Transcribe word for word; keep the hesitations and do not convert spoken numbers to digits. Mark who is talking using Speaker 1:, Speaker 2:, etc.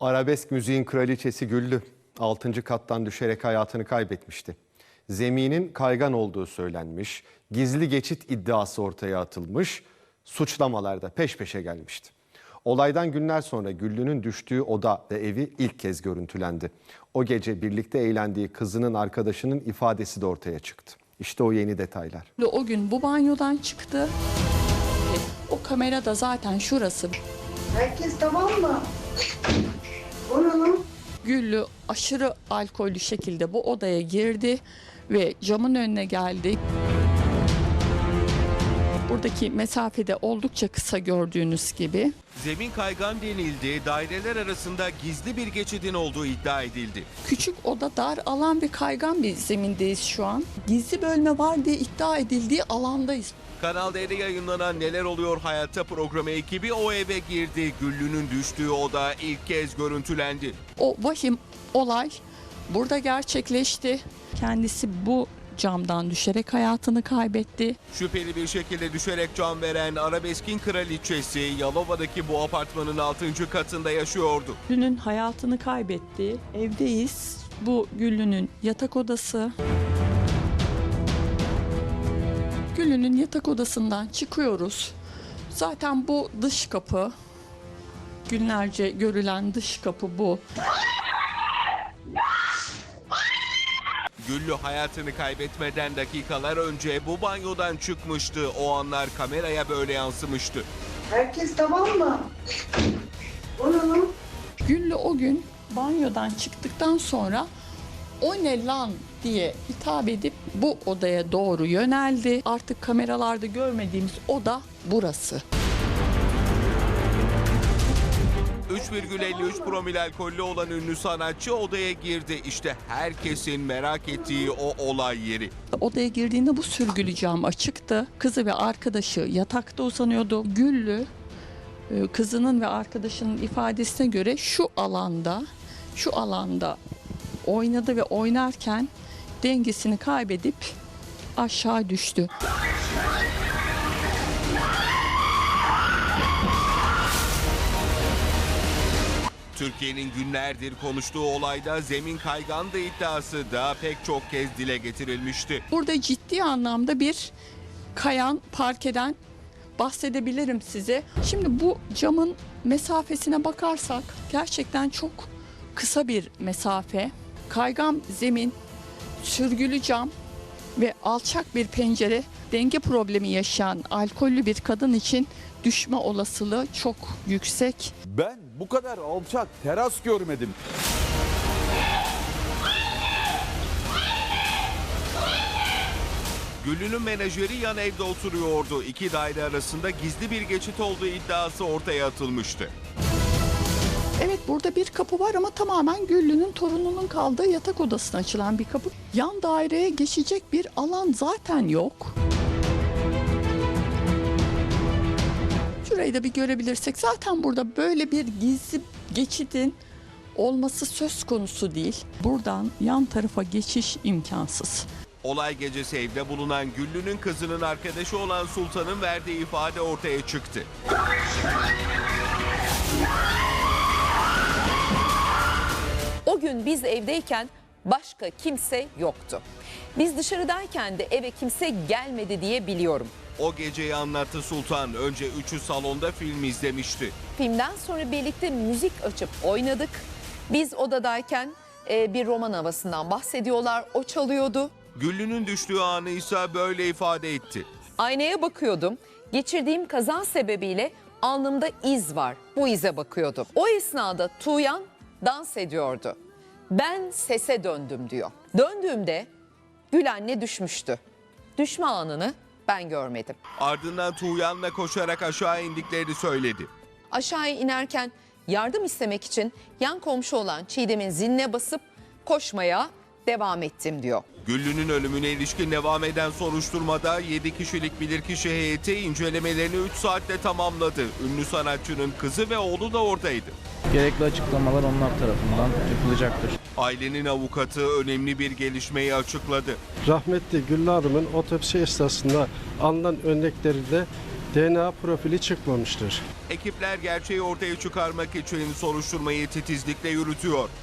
Speaker 1: Arabesk müziğin kraliçesi Güllü altıncı kattan düşerek hayatını kaybetmişti. Zeminin kaygan olduğu söylenmiş, gizli geçit iddiası ortaya atılmış, suçlamalar da peş peşe gelmişti. Olaydan günler sonra Güllü'nün düştüğü oda ve evi ilk kez görüntülendi. O gece birlikte eğlendiği kızının arkadaşının ifadesi de ortaya çıktı. İşte o yeni detaylar.
Speaker 2: O gün bu banyodan çıktı. O kamera da zaten şurası.
Speaker 3: Herkes tamam mı? Oranın.
Speaker 2: Güllü aşırı alkollü şekilde bu odaya girdi ve camın önüne geldi. Buradaki mesafede oldukça kısa gördüğünüz gibi.
Speaker 4: Zemin kaygan denildi, daireler arasında gizli bir geçidin olduğu iddia edildi.
Speaker 2: Küçük oda, dar alan ve kaygan bir zemindeyiz şu an. Gizli bölme var diye iddia edildiği alandayız.
Speaker 4: Kanal D'de yayınlanan Neler Oluyor Hayatta programı ekibi o eve girdi. Güllü'nün düştüğü oda ilk kez görüntülendi.
Speaker 2: O vahim olay burada gerçekleşti. Kendisi bu camdan düşerek hayatını kaybetti.
Speaker 4: Şüpheli bir şekilde düşerek can veren Arabesk'in kraliçesi Yalova'daki bu apartmanın altıncı katında yaşıyordu.
Speaker 2: Güllü'nün hayatını kaybetti. Evdeyiz. Bu Güllü'nün yatak odası. Güllü'nün yatak odasından çıkıyoruz. Zaten bu dış kapı. Günlerce görülen dış kapı bu.
Speaker 4: Güllü hayatını kaybetmeden dakikalar önce bu banyodan çıkmıştı. O anlar kameraya böyle yansımıştı.
Speaker 3: Herkes tamam mı? Oranın.
Speaker 2: Güllü o gün banyodan çıktıktan sonra "O ne lan?" diye hitap edip bu odaya doğru yöneldi. Artık kameralarda görmediğimiz oda burası.
Speaker 4: üç virgül elli üç promil alkollü olan ünlü sanatçı odaya girdi. İşte herkesin merak ettiği o olay yeri.
Speaker 2: Odaya girdiğinde bu sürgülü cam açıktı. Kızı ve arkadaşı yatakta uzanıyordu. Güllü kızının ve arkadaşının ifadesine göre şu alanda, şu alanda oynadı ve oynarken dengesini kaybedip aşağı düştü.
Speaker 4: Türkiye'nin günlerdir konuştuğu olayda zemin kaygandı iddiası da pek çok kez dile getirilmişti.
Speaker 2: Burada ciddi anlamda bir kayan parkeden bahsedebilirim size. Şimdi bu camın mesafesine bakarsak gerçekten çok kısa bir mesafe. Kaygan zemin, sürgülü cam ve alçak bir pencere, denge problemi yaşayan alkollü bir kadın için düşme olasılığı çok yüksek.
Speaker 5: Ben bu kadar alçak teras görmedim.
Speaker 4: Güllü'nün menajeri yan evde oturuyordu. İki daire arasında gizli bir geçit olduğu iddiası ortaya atılmıştı.
Speaker 2: Evet, burada bir kapı var ama tamamen Güllü'nün torununun kaldığı yatak odasına açılan bir kapı. Yan daireye geçecek bir alan zaten yok. Şurayı da bir görebilirsek zaten burada böyle bir gizli geçidin olması söz konusu değil. Buradan yan tarafa geçiş imkansız.
Speaker 4: Olay gecesi evde bulunan Güllü'nün kızının arkadaşı olan Sultan'ın verdiği ifade ortaya çıktı.
Speaker 6: O gün biz evdeyken başka kimse yoktu. Biz dışarıdayken de eve kimse gelmedi diye biliyorum.
Speaker 4: O geceyi anlattı Sultan. Önce üçü salonda film izlemişti.
Speaker 6: Filmden sonra birlikte müzik açıp oynadık. Biz odadayken e, bir roman havasından bahsediyorlar. O çalıyordu.
Speaker 4: Güllü'nün düştüğü anı ise böyle ifade etti.
Speaker 6: Aynaya bakıyordum. Geçirdiğim kazan sebebiyle alnımda iz var. Bu ize bakıyordum. O esnada Tuğyan dans ediyordu. Ben sese döndüm diyor. Döndüğümde Gül anne düşmüştü. Düşme anını ben görmedim.
Speaker 4: Ardından Tuğyan'la koşarak aşağı indiklerini söyledi.
Speaker 6: Aşağıya inerken yardım istemek için yan komşu olan Çiğdem'in ziline basıp koşmaya devam ettim diyor.
Speaker 4: Güllü'nün ölümüne ilişkin devam eden soruşturmada yedi kişilik bilirkişi heyeti incelemelerini üç saatte tamamladı. Ünlü sanatçının kızı ve oğlu da oradaydı.
Speaker 7: Gerekli açıklamalar onlar tarafından yapılacaktır.
Speaker 4: Ailenin avukatı önemli bir gelişmeyi açıkladı.
Speaker 8: Rahmetli Güllü Hanım'ın otopsi esnasında alınan örneklerinde D N A profili çıkmamıştır.
Speaker 4: Ekipler gerçeği ortaya çıkarmak için soruşturmayı titizlikle yürütüyor.